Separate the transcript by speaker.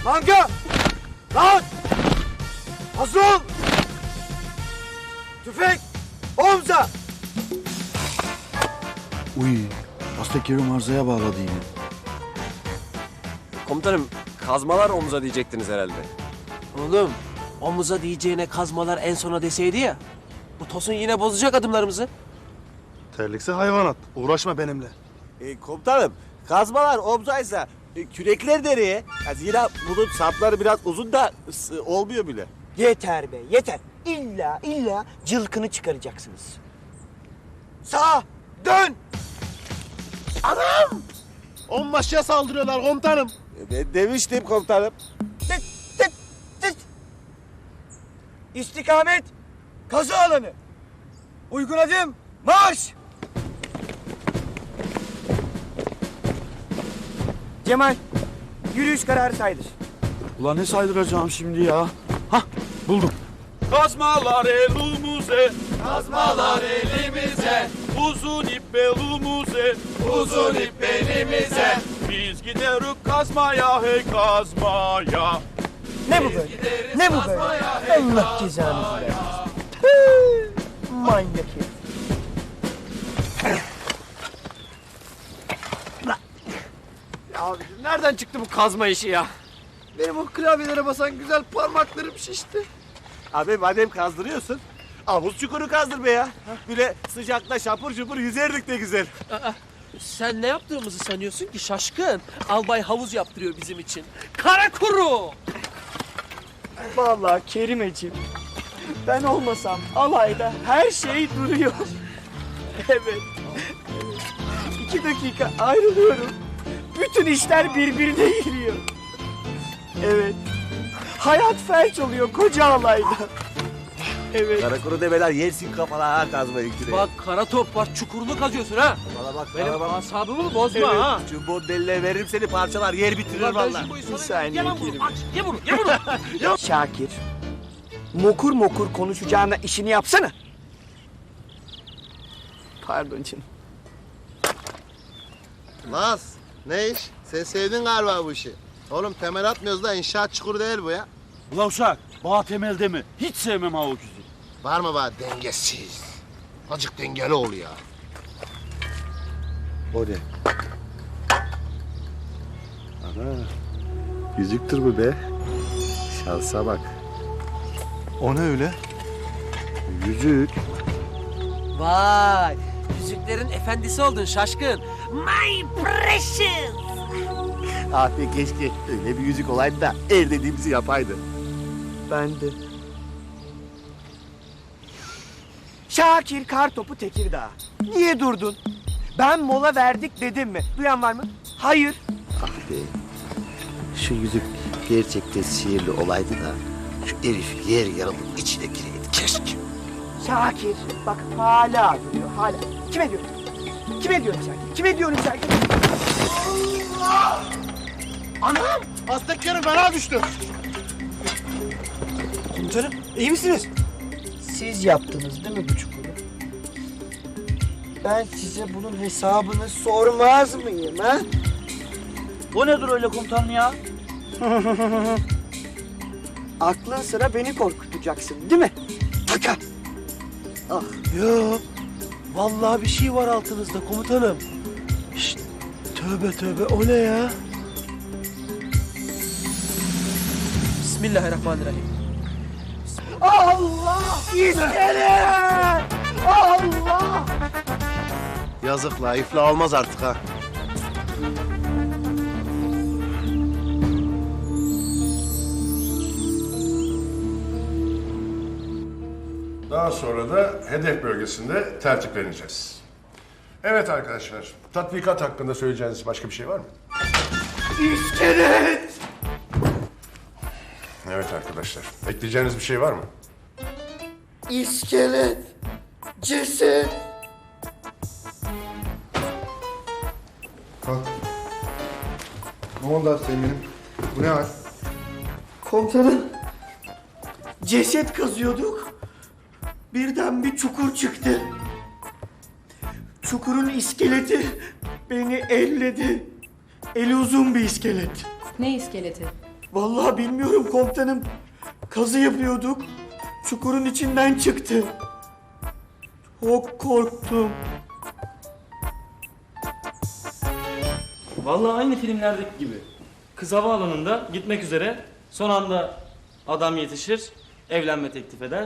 Speaker 1: Manga! Rahat! Hazır ol! Tüfek! Omza!
Speaker 2: Uy, hasta Kerim arzaya bağladı yine.
Speaker 3: Komutanım, kazmalar omuza diyecektiniz herhalde.
Speaker 4: Oğlum, omuza diyeceğine kazmalar en sona deseydi ya. Bu Tosun yine bozacak adımlarımızı.
Speaker 5: Terlikse hayvanat. Uğraşma benimle.
Speaker 3: Komutanım, kazmalar omzaysa kürekler nereye? Yani zira bunun sapları biraz uzun da olmuyor bile.
Speaker 1: Yeter be, yeter. İlla cılkını çıkaracaksınız. Sağa dön!
Speaker 5: Onbaşıya saldırıyorlar komutanım.
Speaker 3: Ben demiştim komutanım.
Speaker 1: Tık tık tık! İstikamet, kazı alanı. Uygun adım, marş! Cemal, yürüyüş kararı saydır.
Speaker 2: Ulan ne saydıracağım şimdi ya? Hah, buldum.
Speaker 6: Kazmalar elimize, kazmalar elimize, uzun ip belimize, uzun ip belimize. Biz gideriz kazmaya, hey kazmaya.
Speaker 1: Ne bu böyle? Ne bu böyle? Allah cezanızı versin. Tüh, manyak herif.
Speaker 4: Nereden çıktı bu kazma işi ya?
Speaker 5: Benim o klavyelere basan güzel parmaklarım şişti.
Speaker 3: Abi madem kazdırıyorsun, havuz çukuru kazdır be ya. Böyle sıcakta şapur şupur yüzerdik de güzel.
Speaker 4: Sen ne yaptığımızı sanıyorsun ki şaşkın? Albay havuz yaptırıyor bizim için. Kara kuru!
Speaker 1: Vallahi Kerimeciğim, ben olmasam alayda her şey duruyor. Evet. 2 dakika ayrılıyorum. Bütün işler birbirine giriyor. Evet. Hayat felç oluyor koca alayda. Evet.
Speaker 3: Karakuru demeler yersin kafana ha kazmayı küreği.
Speaker 4: Bak kara top var, çukurunu kazıyorsun ha.
Speaker 3: Bana bak,
Speaker 4: Benim
Speaker 3: bana bak.
Speaker 4: asabımı bozma
Speaker 3: Evet.
Speaker 4: ha.
Speaker 3: Çubuğun deline veririm seni parçalar, yer bitirir
Speaker 4: Ulan ben
Speaker 3: vallahi.
Speaker 4: şu boyu
Speaker 1: Bir
Speaker 4: sana...
Speaker 1: saniye
Speaker 4: Ye lan bunu,
Speaker 1: Kerim.
Speaker 4: aç, ye bunu, ye bunu.
Speaker 1: Şakir, mokur mokur konuşacağına işini yapsana. Pardon canım.
Speaker 5: Naz, ne iş? Sen sevdin galiba bu işi. Oğlum temel atmıyoruz da inşaat çukuru değil bu ya.
Speaker 2: Ulan uşak, bağ temelde mi? Hiç sevmem ha o küzü.
Speaker 5: Var mı bana dengesiz? Azıcık dengeli ol ya. O ne? Ana, yüzüktür bu be. Şansa bak. O ne öyle? Yüzük.
Speaker 4: Vay, yüzüklerin efendisi oldun şaşkın. My precious.
Speaker 3: Abi keşke öyle bir yüzük olaydı da el dediğimizi yapaydı.
Speaker 1: Ben de. Şakir Kartopu Tekirdağ. Niye durdun? Ben mola verdik dedim mi? Duyan var mı? Hayır.
Speaker 3: Ah be. Şu yüzük gerçekten sihirli olaydı da şu herif yer yarılıp içine gireydi keşke.
Speaker 1: Şakir. Bak hala duruyor hala. Kime diyorum? Kime diyorum Şakir? Kime diyorum Şakir?
Speaker 5: Anam! Aztek yarı bana düştü.
Speaker 1: Komutanım iyi misiniz? Siz yaptınız değil mi bu çukuru? Ben size bunun hesabını sormaz mıyım ha?
Speaker 2: O nedir öyle komutanım ya?
Speaker 1: Aklın sıra beni korkutacaksın değil mi? Taka!
Speaker 4: Yok, vallahi bir şey var altınızda komutanım. Şşt, tövbe tövbe o ne ya? Bismillahirrahmanirrahim.
Speaker 1: Allah! İskelet! Allah!
Speaker 5: Yazık la, iflah olmaz artık ha.
Speaker 7: Daha sonra da hedef bölgesinde tertipleneceğiz. Evet arkadaşlar, tatbikat hakkında söyleyeceğiniz başka bir şey var mı?
Speaker 1: İskelet!
Speaker 7: Evet arkadaşlar, ekleyeceğiniz bir şey var mı?
Speaker 1: İskelet! Ceset!
Speaker 5: Kalk. Ne oldu Aslı'nın? Bu ne hal?
Speaker 1: Komutanım, ceset kazıyorduk. Birden bir çukur çıktı. Çukurun iskeleti beni elledi. Eli uzun bir iskelet.
Speaker 8: Ne iskeleti?
Speaker 2: Vallahi bilmiyorum komutanım. Kazı yapıyorduk. Çukurun içinden çıktı. Çok korktum.
Speaker 8: Vallahi aynı filmlerdeki gibi. Kız havaalanında gitmek üzere, son anda adam yetişir, evlenme teklif eder.